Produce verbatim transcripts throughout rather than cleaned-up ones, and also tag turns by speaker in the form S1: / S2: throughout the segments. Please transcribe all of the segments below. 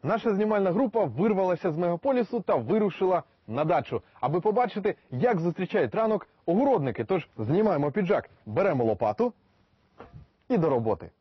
S1: Наша знімальна група вирвалася з мегаполісу та вирушила на дачу, аби побачити, як зустрічають ранок огородники. Тож знімаємо піджак, беремо лопату і до роботи.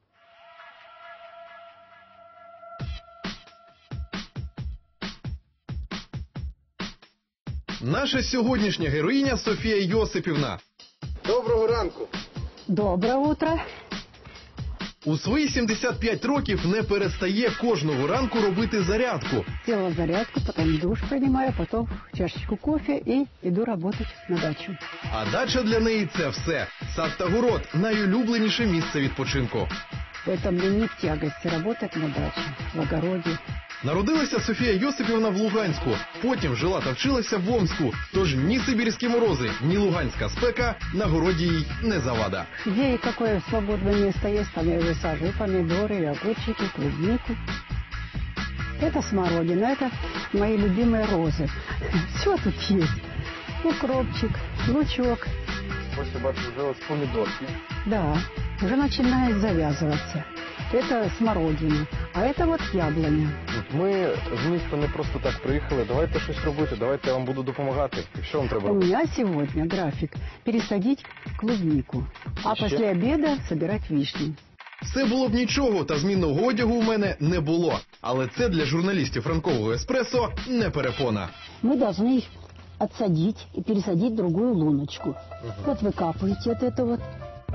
S1: Наша сьогоднішня героїня Софія Йосипівна. Доброго ранку.
S2: Доброе утро.
S1: У свої сімдесят п'ять років не перестає кожного ранку робити зарядку.
S2: Делала зарядку, потом душ принимаю, потом чашечку кофе и иду работать на дачу.
S1: А дача для неї – це все. Сад та город – найулюбленіше місце відпочинку.
S2: Это мне не в тягости работать на даче, в огороде.
S1: Народилася Софія Йосипівна в Луганську, потім жила та вчилася в Омську. Тож ні сибірські морози, ні луганська спека на городі їй не завада.
S2: Где и какое свободное место есть, там я высаживаю помидоры, огурчики, клубнику. Это смородина, это мои любимые розы. Все тут есть. Укропчик, лучок.
S1: Ось я бачу, вже ось помідорки.
S2: Да, уже начинает завязываться. Это смородина, а это вот яблоня.
S1: Ми з міста не просто так приїхали. Давайте щось робити, давайте я вам буду допомагати. Що вам треба
S2: У
S1: робити?
S2: меня сегодня график пересадить клубнику, а
S1: Еще?
S2: после обеда собирать вишни.
S1: Все було б нічого, та змінного одягу у мене не було. Але це для журналістів ранкового еспресо не перепона.
S2: Мы должны их отсадить и пересадить в другую луночку. Вот вы капаете от этого вот.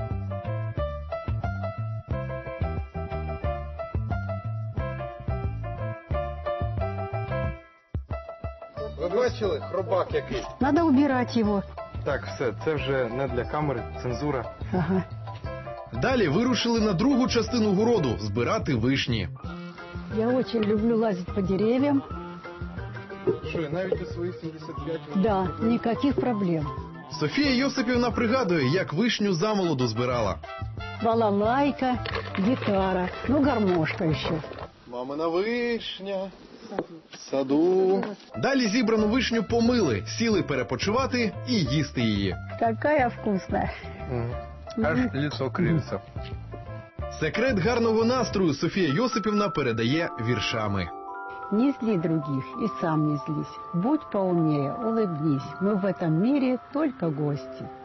S1: Ви бачили? Хробак який.
S2: Надо убирать его.
S1: Так, все, це вже не для камери, цензура.
S2: Ага.
S1: Далі вирушили на другу частину городу – збирати вишні.
S2: Я очень люблю лазить по деревьям.
S1: Що, навіть у свої сімдесят п'ять років?
S2: Да, никаких проблем.
S1: Софія Йосипівна пригадує, як вишню замолоду збирала.
S2: Балалайка, гитара, ну гармошка еще.
S1: Мамина вишня в саду. Далі зібрану вишню помили, сіли перепочивати і їсти її.
S2: Какая вкусная.
S1: Аж лицо кривиться. Секрет гарного настрою Софія Йосипівна передає віршами.
S2: Не зли других и сам не злись. Будь поумнее, улыбнись. Мы в этом мире только гости.